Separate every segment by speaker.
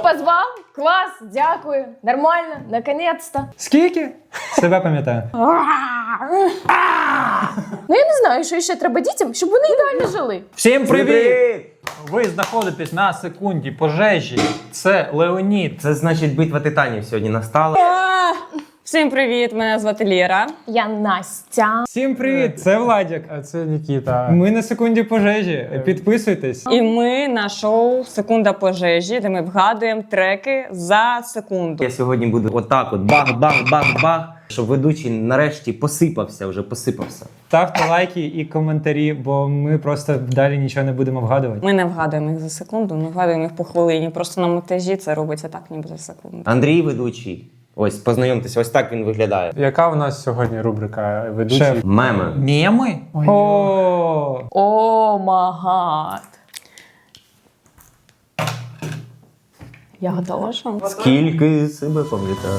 Speaker 1: позвав? Клас, дякую. Нормально, наконець-то.
Speaker 2: Скільки? Себе пам'ятаю.
Speaker 1: Ну я не знаю, що ще треба дітям, щоб вони ідеально жили.
Speaker 2: Всім привіт! Ви знаходитесь на секунді пожежі. Це Леонід.
Speaker 3: Це значить битва титанів сьогодні настала.
Speaker 4: Всім привіт, мене звати Лєра.
Speaker 1: Я Настя.
Speaker 2: Всім привіт! Це Владик.
Speaker 5: А це Нікіта.
Speaker 2: Ми на секунді пожежі. Підписуйтесь.
Speaker 4: І ми на шоу «Секунда пожежі», де ми вгадуємо треки за секунду.
Speaker 3: Я сьогодні буду отак от бах-бах-бах-бах, щоб ведучий нарешті посипався.
Speaker 2: Ставте лайки і коментарі, бо ми просто далі нічого не будемо вгадувати.
Speaker 4: Ми не вгадуємо їх за секунду, ми вгадуємо їх по хвилині. Просто на монтажі це робиться так, ніби за секунду.
Speaker 3: Андрій ведучий. Ось, познайомтеся, ось так він виглядає.
Speaker 5: Яка у нас сьогодні рубрика ведучий?
Speaker 2: Шеф.
Speaker 3: Меми.
Speaker 2: Меми? О,
Speaker 1: О, магад. Я готова.
Speaker 3: Скільки себе пам'ятаю.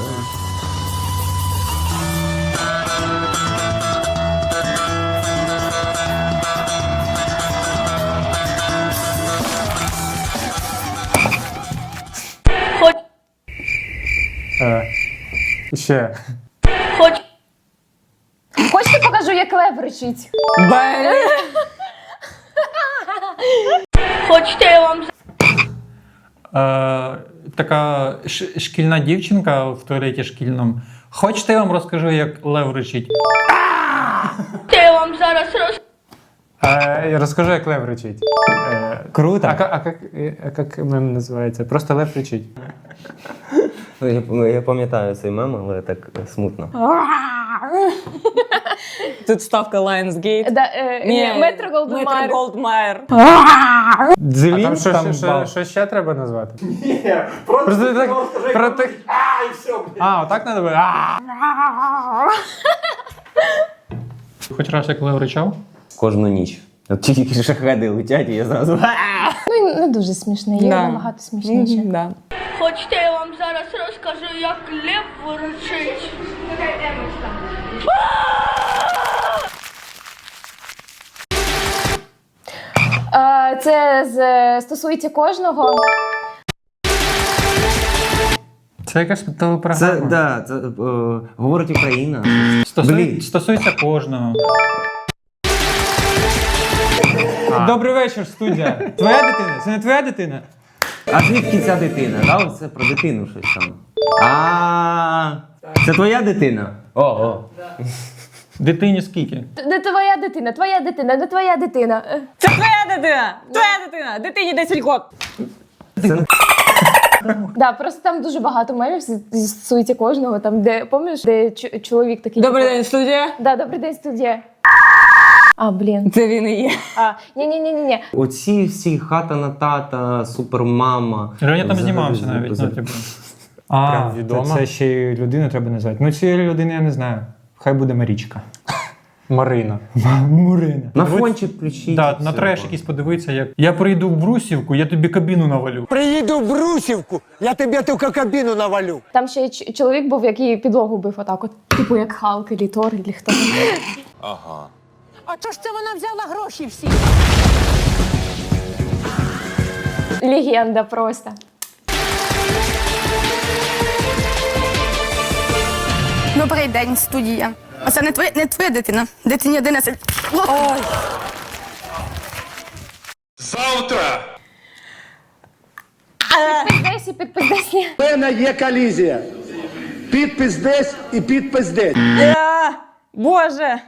Speaker 5: Ще.
Speaker 1: Хочете покажу, як лев речить?
Speaker 6: Хочете, я вам
Speaker 2: така шкільна дівчинка в туалеті шкільному. Хочете, я вам розкажу, як лев речить?
Speaker 6: зараз
Speaker 5: Розкажи, як лев речить.
Speaker 2: Круто.
Speaker 5: А як мем називається? Просто лев речить.
Speaker 3: Я пам'ятаю цей мем, але так смутно.
Speaker 4: Тут ставка Lionsgate.
Speaker 1: Метро Голдмайер.
Speaker 4: Метро Голдмайер.
Speaker 2: Дзвін,
Speaker 5: Що ще треба назвати? Ні, просто так... отак треба буде?
Speaker 2: Хоч раз як лев речав?
Speaker 3: Кожну ніч. От тільки шахеди летять, і я зразу...
Speaker 1: Ну, не дуже смішне, є набагато смішніше.
Speaker 4: Да.
Speaker 6: Хочете, я вам зараз розкажу, як лев речить.
Speaker 1: Це стосується кожного.
Speaker 2: Це якась телепрограма.
Speaker 3: Це говорить Україна.
Speaker 2: Стосується кожного. Добрий вечір, студія. Твоя дитина? Це не твоя дитина?
Speaker 3: А звідки ця дитина? Да? Це про дитину щось там. Це твоя дитина? Ого.
Speaker 2: Дитині скільки?
Speaker 1: Не твоя дитина, твоя дитина, не твоя дитина.
Speaker 4: Це твоя дитина! Твоя дитина! Дитині 10 років!
Speaker 1: Да, просто там дуже багато мемів стосується кожного. Там, де, пам'ятаєш, де чоловік такий...
Speaker 4: Добрий день, студія!
Speaker 1: Да, добрий день, студія. Блін.
Speaker 4: Це він і є.
Speaker 1: Ні.
Speaker 3: Оці всі хата на тата, супермама.
Speaker 2: Женя там знімався навіть.
Speaker 5: Прям відомо.
Speaker 2: Це ще й людину треба назвати. Ну, цієї людини я не знаю. Хай буде Марічка.
Speaker 5: Марина.
Speaker 2: Мурина.
Speaker 3: На фончик включіть.
Speaker 2: Да, на треш якийсь подивитися, як я прийду в Брусівку, я тобі кабіну навалю.
Speaker 7: Приїду в Брусівку, я тобі тільки кабіну навалю.
Speaker 1: Там ще й чоловік був, який підлогу бив отак от. Типу як Халк, или Тор, или хто.
Speaker 7: А чого ж це вона взяла гроші всі?
Speaker 1: Легенда просто.
Speaker 8: Добрий день, студія. Оце не твоя дитина. Дитині 11. Ой.
Speaker 1: Підпис десь і підпис десь ні.
Speaker 7: У мене є колізія. Підпис десь і підпис десь.
Speaker 4: Боже!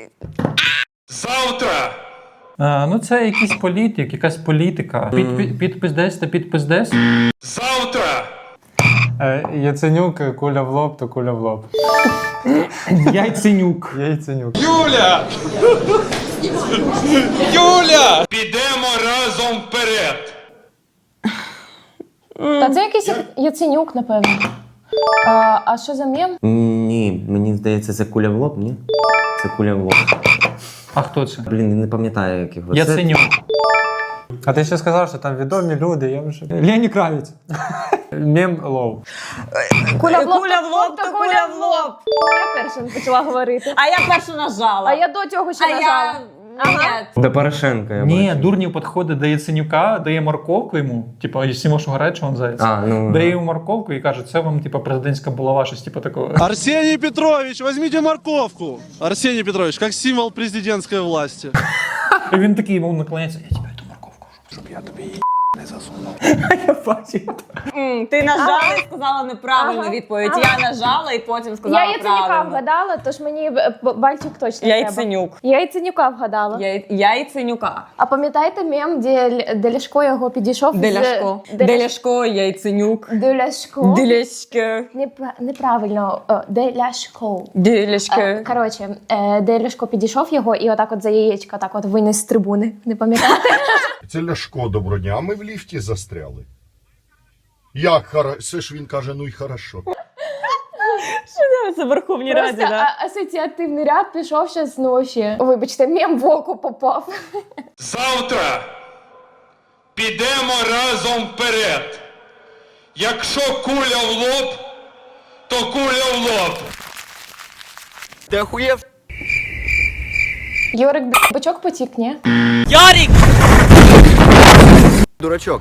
Speaker 2: Ну це якийсь політик, якась політика. Підпис десь та підпис десь.
Speaker 5: Яценюк, куля в лоб, то куля в лоб.
Speaker 2: Яйценюк.
Speaker 5: Яйценюк.
Speaker 9: Юля! Підемо разом вперед!
Speaker 1: Та це якийсь Яценюк, напевно. А що за мем?
Speaker 3: Ні, мені здається, це куля в лоб, ні? Це куля в лоб.
Speaker 2: А хто це?
Speaker 3: Блін, не пам'ятаю, як його.
Speaker 2: Яценюк.
Speaker 5: А ти ще сказав, що там відомі люди, я вже...
Speaker 2: Лені Кравець.
Speaker 5: Мем лов.
Speaker 1: Куля в лоб,
Speaker 4: Куля в лоб, то куля в лоб.
Speaker 1: Я перша почала говорити.
Speaker 4: А я перша нажала.
Speaker 1: А я до цього ще нажала.
Speaker 3: До Порошенка, я
Speaker 2: Ні,
Speaker 3: бачу.
Speaker 2: Дурнів підходить до Яценюка, дає морковку йому, типу, якщо можеш угорати, що він заяць. Дає йому морковку і каже, це вам, типу, президентська булава, щось типу такого.
Speaker 10: Арсений Петрович, возьмите морковку. Арсений Петрович, как символ президентской власти.
Speaker 2: І він такий йому наклоняється, я тебе ту морковку, щоб я тобі її не засунув. Я бачив.
Speaker 4: Ти нажала і сказала неправильну відповідь. Я нажала і потім сказала
Speaker 1: Я Яценюка
Speaker 4: правильно.
Speaker 1: вгадала, тож мені бальчик точно треба.
Speaker 4: Яйценюк.
Speaker 1: Я Яценюка вгадала.
Speaker 4: Яйценюка.
Speaker 1: А пам'ятаєте мем, де Ляшко його підійшов?
Speaker 4: Деляшко. Деляшко, Яйценюк.
Speaker 1: Деляшко.
Speaker 4: Деляшко.
Speaker 1: Неправильно. Деляшко.
Speaker 4: Деляшко.
Speaker 1: Коротше, де Ляшко підійшов його і отак от за яєчко так от виніс з трибуни. Не пам'ятаєте?
Speaker 11: Це Ляшко, доброго дня, а ми в ліфті застряли. Як хорошо? Все ж він каже, ну й хорошо.
Speaker 4: Це в Верховній Раді,
Speaker 1: Просто
Speaker 4: да?
Speaker 1: асоціативний ряд пішов ще з ночі. Вибачте, мем в око попав.
Speaker 9: Завтра підемо разом вперед. Якщо куля в лоб, то куля в лоб.
Speaker 10: Ты охуев?
Speaker 1: Йорик, бачок потік, ні?
Speaker 4: Ярик!
Speaker 10: Дурачок.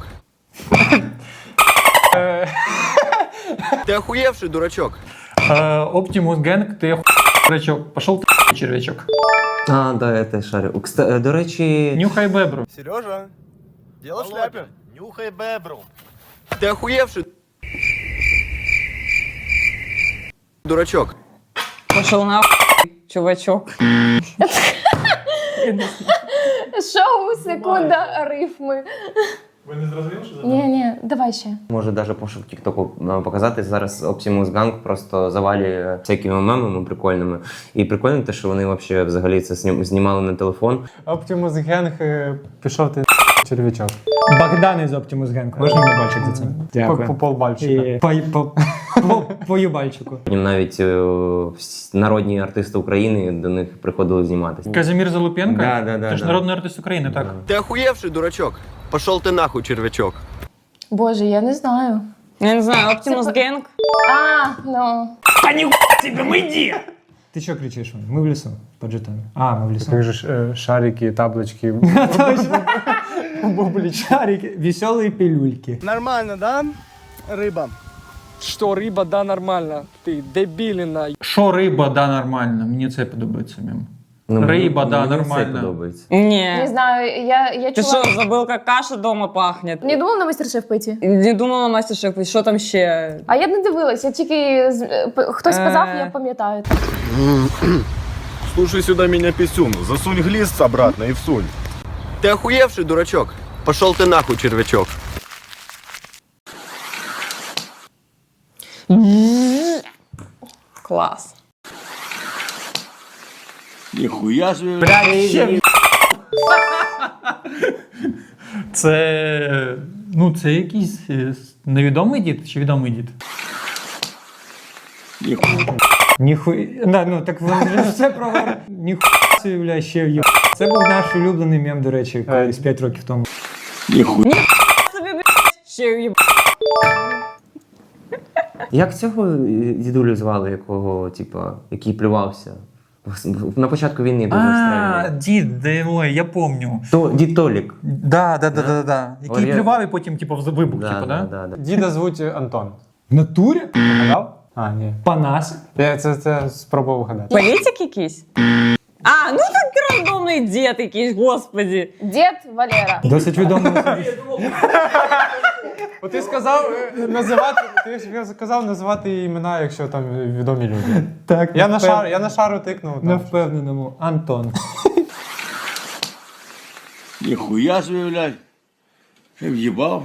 Speaker 10: Ты охуевший дурачок.
Speaker 2: Оптимус Генг, ти червячок. Пошов ти червячок.
Speaker 3: А, да, я теж шарю. До речі...
Speaker 2: Нюхай бебру.
Speaker 10: Сережа, дело в шляпе.
Speaker 11: Нюхай бебру.
Speaker 10: Ты охуевший дурачок.
Speaker 4: Пошел нахуй, чувачок.
Speaker 1: Шоу, секунда, рифми.
Speaker 2: Ви не зрозуміли, що
Speaker 1: Ні, давай ще.
Speaker 3: Може навіть пошук тіктоку показати. Зараз Optimus Gang просто завалює всякими мемами прикольними. І прикольно те, що вони взагалі це знімали на телефон.
Speaker 5: Optimus Gang пішов ти червячок. Богдан із Optimus Gang. Можна мені бальчик за це? Дякую. По полбальчика. По юбальчику.
Speaker 3: Потім навіть народні артисти України до них приходили зніматися.
Speaker 2: Казимір Залупенко?
Speaker 3: Да.
Speaker 2: Це ж народний артист України, так?
Speaker 10: Ты охуевший дурачок. Пошел ты нахуй, червячок.
Speaker 1: Боже, я не знаю.
Speaker 4: Я не знаю, Оптимус Генг.
Speaker 1: Ну.
Speaker 5: Ти що кричиш? Ми в лісу, по жетону. А, ми в лісу. Як же ж шарики, таблички. Бублі, шарики, веселі пилюльки.
Speaker 10: Нормально, да, рыба?
Speaker 12: Что рыба, да, нормально. Ты дебилина.
Speaker 2: Що риба, да, нормально. Мені це подобається мем. Риба, да,
Speaker 3: мені
Speaker 2: нормально.
Speaker 3: Це подобається.
Speaker 1: Не
Speaker 4: Не.
Speaker 1: знаю, я
Speaker 4: Ты
Speaker 1: чула...
Speaker 4: что, забыл, как каша дома пахнет?
Speaker 1: Не думав на мастер-шеф пойти?
Speaker 4: Не думала мастер-шеф, що там ще?
Speaker 1: А я не дивилась, я тільки... Хтось сказав, я пам'ятаю.
Speaker 11: Слушай сюда меня, писюн. Засунь глист обратно и всунь.
Speaker 10: Ты охуевший дурачок. Пошел ты нахуй, червячок.
Speaker 4: Клас.
Speaker 11: Нихуя себе.
Speaker 2: Це... Ну, це якийсь невідомий дід чи відомий дід?
Speaker 5: Ніхуя. Да, ну так вони вже все проговорили. Ніхуя собі, бля, ще в'їб. Це був наш улюблений мем, до речі, колись 5 років тому.
Speaker 4: Собі, блядь, ще уїб...
Speaker 3: Як цього дідулю звали, який плювався? На початку війни дуже стрельний.
Speaker 2: Дід, ой, я помню.
Speaker 3: Дід Толік.
Speaker 2: Да. Який плював і потім, типу, вибух, типу, да?
Speaker 5: Діда звуть Антон. В натурі? Вгадав? А, ні. Панас. Я це спробував вгадати.
Speaker 4: Політик якийсь? А, ну так рандомний дід якийсь, господи.
Speaker 1: Дід Валера.
Speaker 5: Досить відомий. Ти сказав називати імена, якщо там відомі люди. Так, я на шару тикнув. На впевненому. Антон.
Speaker 11: Нихуя себе, блядь. Ти в'їбав?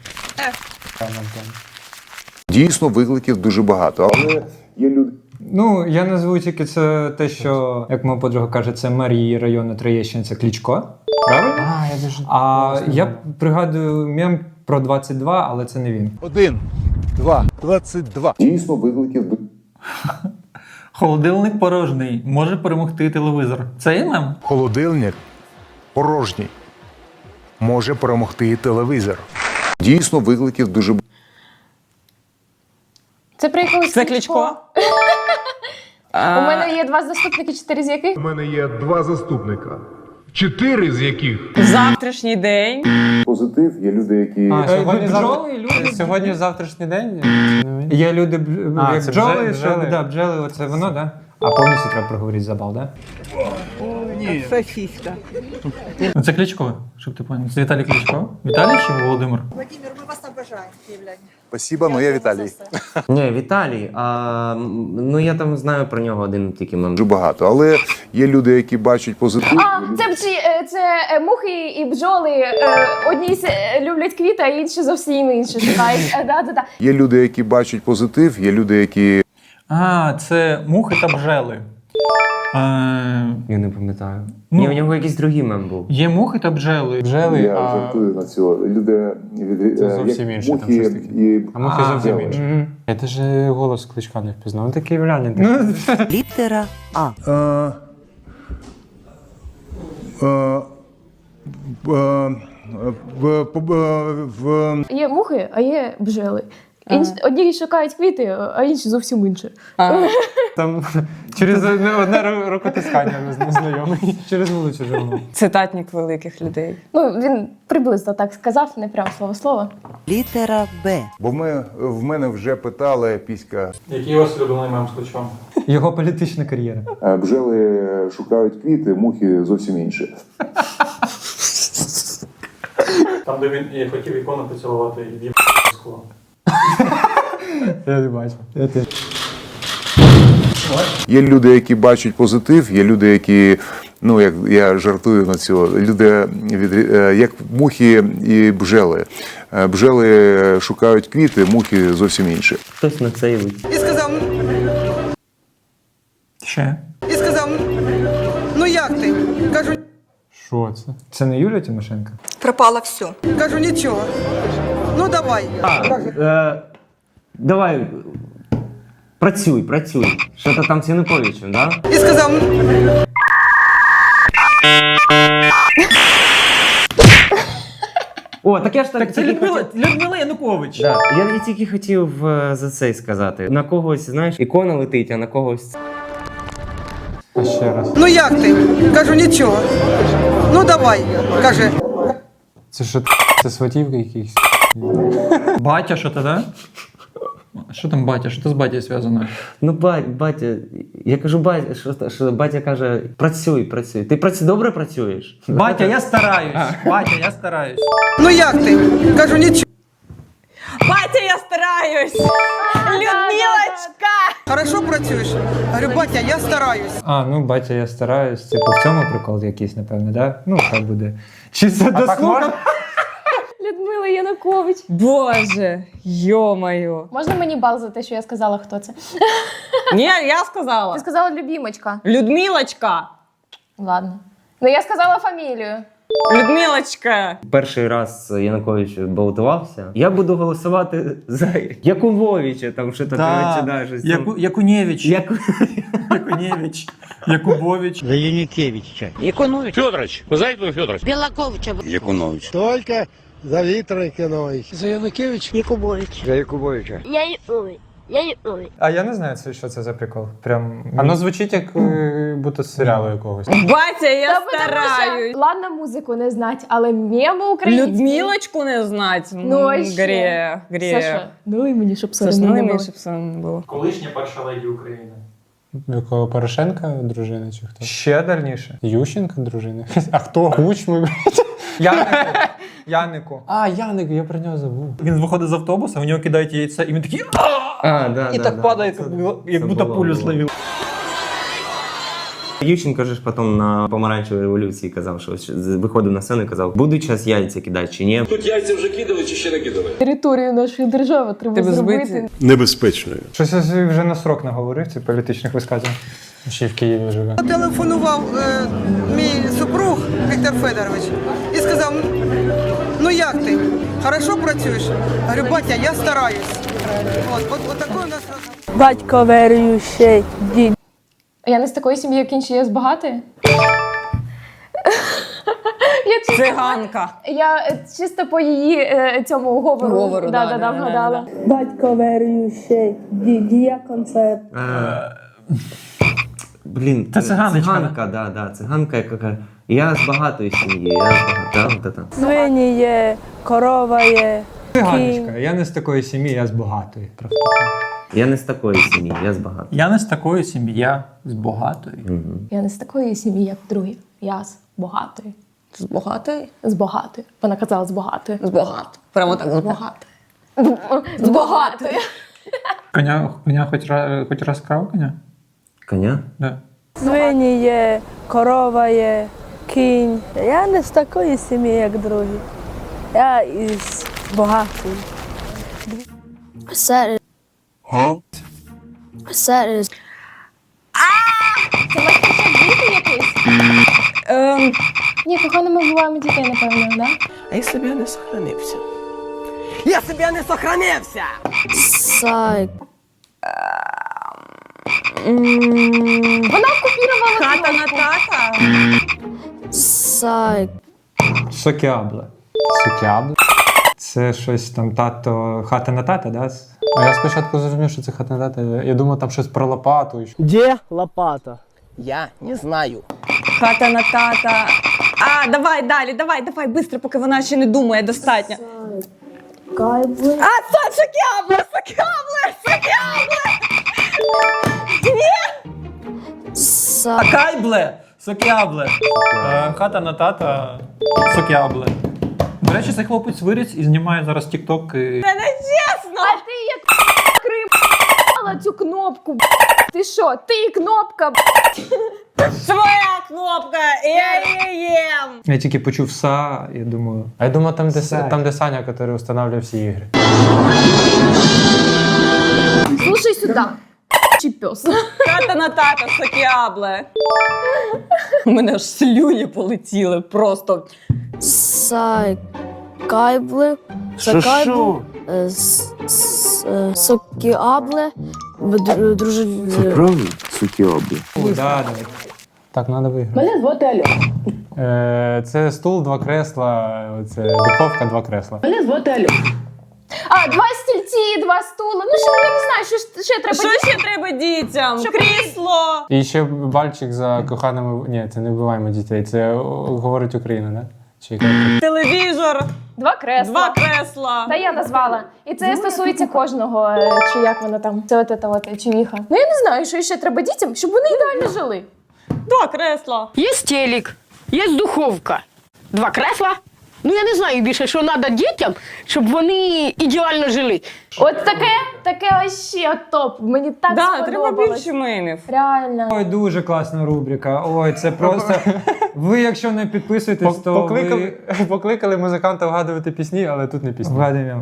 Speaker 11: Дійсно, викликів дуже багато, але є люди.
Speaker 5: Ну, я назву тільки це те, що, як моя подруга каже, це мер її району Троєщина, це Кличко. Правильно? Я пригадую мем про 22, але це не він.
Speaker 11: 1, 2, 22. Дійсно, викликів.
Speaker 2: Холодильник порожній. Може перемогти телевізор. Це є мем?
Speaker 11: Холодильник порожній. Може перемогти телевізор. Дійсно, викликів дуже багато.
Speaker 1: Це про якогось
Speaker 4: Це Кличко?
Speaker 1: У мене є 2 заступники, 4 з яких?
Speaker 11: У мене є 2 заступника.
Speaker 9: 4 з яких
Speaker 4: Завтрашній день.
Speaker 7: Позитив, є люди, які...
Speaker 5: Сьогодні завтрашній день? Є люди, як
Speaker 2: це
Speaker 5: бджоли,
Speaker 2: бджоли.
Speaker 5: що бджоли, оце воно, да? А повністю треба проговорити за бал, да?
Speaker 2: Ну, це Кличко, щоб ти поняв. Це Віталій Кличко. Віталій чи Володимир?
Speaker 13: Владимир, ми вас обожаємо, київляні.
Speaker 7: Спасибо, но я Віталій.
Speaker 3: Ні, Віталій, ну я там знаю про нього один тільки мем.
Speaker 11: Дуже багато, але є люди, які бачать позитив.
Speaker 1: Це мухи і бджоли. Одні люблять квіти, а інші зовсім інші шукають. Да.
Speaker 11: Є люди, які бачать позитив, є люди, які...
Speaker 2: Це мухи та бджели.
Speaker 3: Я не пам'ятаю.
Speaker 2: Ну,
Speaker 3: Ні, у нього якийсь другий мем був.
Speaker 2: Є мухи та бджели.
Speaker 5: Бджели,
Speaker 7: Я жартую на цього. Люди
Speaker 5: Це зовсім інше, там щось таке. А мухи зовсім інші. Я теж голос Кличка не впізнав. Він такий київлянин.
Speaker 13: Літера А.
Speaker 1: Є мухи, а є бджели. Одні шукають квіти, а інші зовсім інші.
Speaker 5: Там через одне рукотискання незнайомий. Через вулицю живемо.
Speaker 4: Цитатник великих людей.
Speaker 1: Ну, він приблизно так сказав, не прям слово.
Speaker 13: Літера Б.
Speaker 11: Бо в мене вже питали піська.
Speaker 2: Який у вас улюблений мем з Кличком?
Speaker 5: Його політична кар'єра.
Speaker 7: Бджели шукають квіти, мухи зовсім інші.
Speaker 2: Там, де він хотів ікону поцілувати і в'їб скло.
Speaker 5: Я не бачу. Я теж.
Speaker 11: Є люди, які бачать позитив, є люди, які, ну, як я жартую на цього, люди, як мухи і бджели. Бджели шукають квіти, мухи зовсім інші.
Speaker 3: Хтось на це і вийде.
Speaker 13: І сказав,
Speaker 2: Ще?
Speaker 13: ну як ти? Кажу,
Speaker 5: Що це? Це не Юлія Тимошенко?
Speaker 13: пропало все. Кажу, нічого. Ну давай.
Speaker 3: Давай, працюй. Що-то там з Януковичем, да?
Speaker 13: І сказав,
Speaker 3: О, так я ж
Speaker 2: Так це Людмила Янукович.
Speaker 3: Да. Я тільки хотів за це й сказати. На когось, знаєш, ікона летить, а на когось...
Speaker 5: А ще раз.
Speaker 13: ну як ти? Кажу, нічого. Ну давай. Каже,
Speaker 5: Це що? Це сватівки якісь?
Speaker 2: Батя, що ти, да? Що там батя? Що з батя зв'язано?
Speaker 3: Ну, батя, я кажу, батя, що батя каже, працюй. Ти добре працюєш?
Speaker 2: Батя, я стараюсь.
Speaker 13: ну як ти? Кажу, нічого.
Speaker 4: Батя, я стараюсь! Людмилочка!
Speaker 13: Хорошо працюєш? Говорю, батя, я стараюсь.
Speaker 5: Ну, батя, я стараюсь. Типу, в цьому прикол якийсь, напевно, да? Ну, хай буде. Чи це дослухав?
Speaker 1: Людмила Янукович.
Speaker 4: Боже, йо-моє.
Speaker 1: Можна мені бал за те, що я сказала, хто це?
Speaker 4: Ні, я сказала.
Speaker 1: Ти сказала любімочка.
Speaker 4: Людмилочка!
Speaker 1: Ладно. Ну я сказала фамілію.
Speaker 4: Людмилочка!
Speaker 3: Перший раз Янукович балотувався. Я буду голосувати за Якубовича, там що таке, щось там.
Speaker 2: Якуневич. Якубович.
Speaker 12: За Янукевича.
Speaker 9: Якунович. Федорович. Ви знаєте, хто Федорович?
Speaker 13: Білаковича.
Speaker 9: Якунович.
Speaker 12: Только за Віктора Якуновича. За Янукевич.
Speaker 13: Якубович.
Speaker 12: За Якубовича.
Speaker 6: Я Янукович.
Speaker 5: А я не знаю, що це за прикол. Прям. Воно звучить як будто з серіалу якогось.
Speaker 4: Батя, я
Speaker 1: Та потому
Speaker 4: стараюсь!
Speaker 1: що, ладно, музику не знать, але меми українські.
Speaker 4: Людмилочку не знать?
Speaker 1: Ну, а ще.
Speaker 4: Гріх.
Speaker 1: Саша, ну і мені, щоб
Speaker 4: Саш,
Speaker 1: соромно
Speaker 4: ну
Speaker 1: не
Speaker 4: і
Speaker 1: було.
Speaker 4: мені, щоб соромно не було.
Speaker 2: Колишня перша леді України.
Speaker 5: Якого Порошенка дружина чи хто? Ще дальніше. Ющенка дружина. А хто? Кучми. Янику. Яник, я про нього забув.
Speaker 2: Він виходить з автобуса, у нього кидають яйця, і він такий і так падає, як будто пулю словив.
Speaker 3: Ющенко ж потім на помаранчевій революції казав, що виходив на сцену і казав, будуть час яйця кидати чи ні.
Speaker 9: Тут яйця вже кидали чи ще не кидали?
Speaker 1: Територію нашої держави треба
Speaker 4: Тебе
Speaker 1: зробити.
Speaker 4: збити.
Speaker 10: Небезпечною.
Speaker 5: Щось я собі вже на срок наговорив цих політичних висказів. Ще й в Києві живе.
Speaker 13: Телефонував мій супруг Віктор Федорович і сказав, ну як ти? Хорошо працюєш? Говорю, батя, я стараюсь. От такий у нас розговор.
Speaker 6: Батько віруючий, дід.
Speaker 1: Я не з такої сім'ї, як інші, я з багатої.
Speaker 4: Циганка.
Speaker 1: Я чисто по її цьому говору. Да, вгадала.
Speaker 6: Батько віруючий, дід, діякон це.
Speaker 3: Блін,
Speaker 2: Це циганочка.
Speaker 3: Циганка, да, циганка, яка Я з багатої сім'ї, я з багатої.
Speaker 6: Свині є, корова є.
Speaker 5: Ганочка, я не з такої сім'ї, я з багатої.
Speaker 3: Я не з такої сім'ї, я з багатої.
Speaker 2: Я не з такої сім'ї, я з багатої.
Speaker 1: Я не з такої сім'ї, як другі. Я з багатої.
Speaker 4: З багатої?
Speaker 1: З багатої. Вона казала з багатої.
Speaker 4: З багатої. Прямо так, з багатої.
Speaker 1: З багатої.
Speaker 2: Коня хоч раз крав коня?
Speaker 3: Коня?
Speaker 2: Да.
Speaker 6: Свині є, корова є, кінь. Я не з такої сім'ї, як другі. Я із багатої.
Speaker 8: Серед. Серед.
Speaker 1: Це мастер-шеф діти якийсь? Ні, кохано, ми буваємо дітей, напевно, да?
Speaker 13: А якщо б я не сохранився? Якщо б я не сохранився!
Speaker 8: Сайк.
Speaker 1: Вона окупірувала
Speaker 4: Хата на тата?
Speaker 8: Сайк.
Speaker 5: Сокіабле. Сокіабле? Це щось там тато, хата на тата, да?
Speaker 12: А я спочатку зрозумів, що це хата на тата. Я думав, там щось про лопату.
Speaker 13: Де лопата? Я не знаю.
Speaker 4: Хата на тата. Давай далі, давай, быстро, поки вона ще не думає достатньо.
Speaker 8: Кайбли.
Speaker 4: Це сокіабле!
Speaker 8: Сайк.
Speaker 2: Кайбле! Сокябле! Хата на тата, сокябле. До речі, цей хлопець виріс і знімає зараз тік-ток.
Speaker 4: Це не чесно!
Speaker 1: А ти як кримала цю кнопку. Ти що? Ти кнопка.
Speaker 4: Своя кнопка! Я її їм!
Speaker 5: Я тільки почув «са», я думаю...
Speaker 12: А я думав, там,
Speaker 5: Сайк.
Speaker 12: де Саня, який встановлює всі ігри.
Speaker 1: Слушай сюди. Чи пес?
Speaker 4: Хата на тата, сокіабле. У мене аж слюні полетіли просто.
Speaker 8: Сайк. Кайбли. Сокайбли. Сокіабле. Дружелюбне.
Speaker 11: Правда? Сокіабле.
Speaker 5: Да, да.
Speaker 12: Так, треба виграти.
Speaker 1: Мене звати Альона.
Speaker 12: Це стул, 2 кресла, це духовка, 2 кресла.
Speaker 1: Мене звати Альона. 2 стільці, 2 стула. Ну що, я не знаю, що ще треба.
Speaker 4: Що ще треба дітям? Крісло!
Speaker 12: І ще бальчик за коханими... Ні, це не вбиваємо дітей, це говорить Україна, да? Чи яка?
Speaker 4: Телевізор,
Speaker 1: 2 кресла.
Speaker 4: 2 кресла.
Speaker 1: Та я назвала. І це стосується кожного, чи як воно там, це от чувіха. Ну я не знаю, що ще треба дітям, щоб вони ідеально жили.
Speaker 4: 2 кресла.
Speaker 14: Є телек, є духовка, 2 кресла. Ну я не знаю більше, що треба дітям, щоб вони ідеально жили.
Speaker 1: От таке вообще топ. Мені так
Speaker 4: Да, треба
Speaker 1: сподобалось.
Speaker 4: більше мемів.
Speaker 1: Реально.
Speaker 5: Ой, дуже класна рубрика. Ой, це просто... Ви, якщо не підписуєтесь, то ви...
Speaker 12: Покликали музиканта вгадувати пісні, але тут не пісні.
Speaker 5: Вгадуємо.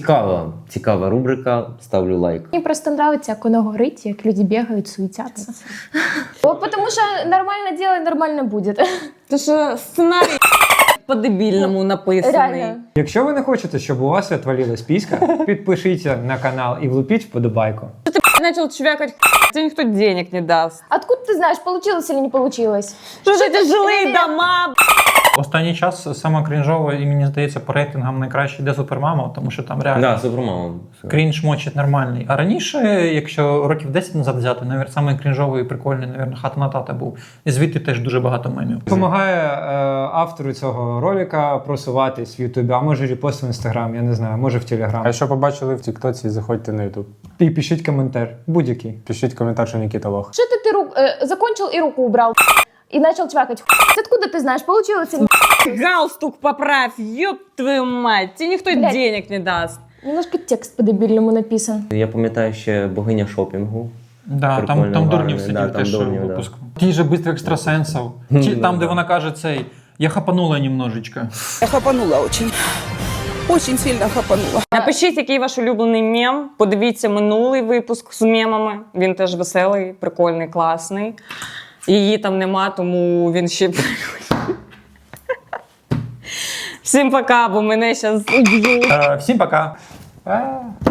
Speaker 3: Цікава рубрика, ставлю лайк.
Speaker 1: Мені просто нравиться, як воно горить, як люди бігають, суетяться. Тому що нормально діло, нормально буде.
Speaker 4: Це що сценарій по-дебільному написаний.
Speaker 1: Реально.
Speaker 5: Якщо ви не хочете, щоб у вас відвалилась піська, підпишіться на канал і влупіть вподобайку.
Speaker 4: Что ты начал чвякать, тебе никто денег не даст.
Speaker 1: Откуда ти знаєш, получилось или не получилось?
Speaker 4: Что же это жилые дома?
Speaker 2: Останній час саме крінжово, і мені здається, по рейтингам найкраще йде Супермама, тому що там реально
Speaker 3: Да, Супермама.
Speaker 2: крінж мочить нормальний. А раніше, якщо років 10 назад взяти, саме крінжовий і прикольний, навірно, хата на тата був. І звідти теж дуже багато мемів.
Speaker 5: Допомагає автору цього ролика просуватись в Ютубі, а може репост в Інстаграм, я не знаю, може в Телеграм.
Speaker 12: А якщо побачили в Тіктоці, заходьте на Ютуб.
Speaker 5: І пишіть коментар, будь-який.
Speaker 12: Пишіть коментар, що Нікіта лох.
Speaker 1: Что ты закончил и руку убрал? И начал чвякать. Откуда ты знаешь, получилось или не?
Speaker 4: Галстук поправь, ёб твою мать, тебе никто
Speaker 1: Блядь.
Speaker 4: денег не даст.
Speaker 1: Немножко текст по-дебильному написан.
Speaker 3: Я пам'ятаю ще богиня шопінгу.
Speaker 2: Да,
Speaker 3: Прикольно,
Speaker 2: там дурнів
Speaker 3: гарний,
Speaker 2: сидів
Speaker 3: да, там
Speaker 2: теж
Speaker 3: дурнів,
Speaker 2: в
Speaker 3: да.
Speaker 2: випуску. Ті же бистро екстрасенсів. Там, де вона каже цей, я хапанула немножечко.
Speaker 13: Я хапанула очень. Очень сильно хапанула.
Speaker 4: Напишіть, який ваш улюблений мем. Подивіться минулий випуск з мемами. Він теж веселий, прикольний, класний. Її там нема, тому він ще... Всім пока, бо мене зараз уб'ють.
Speaker 2: Всім пока.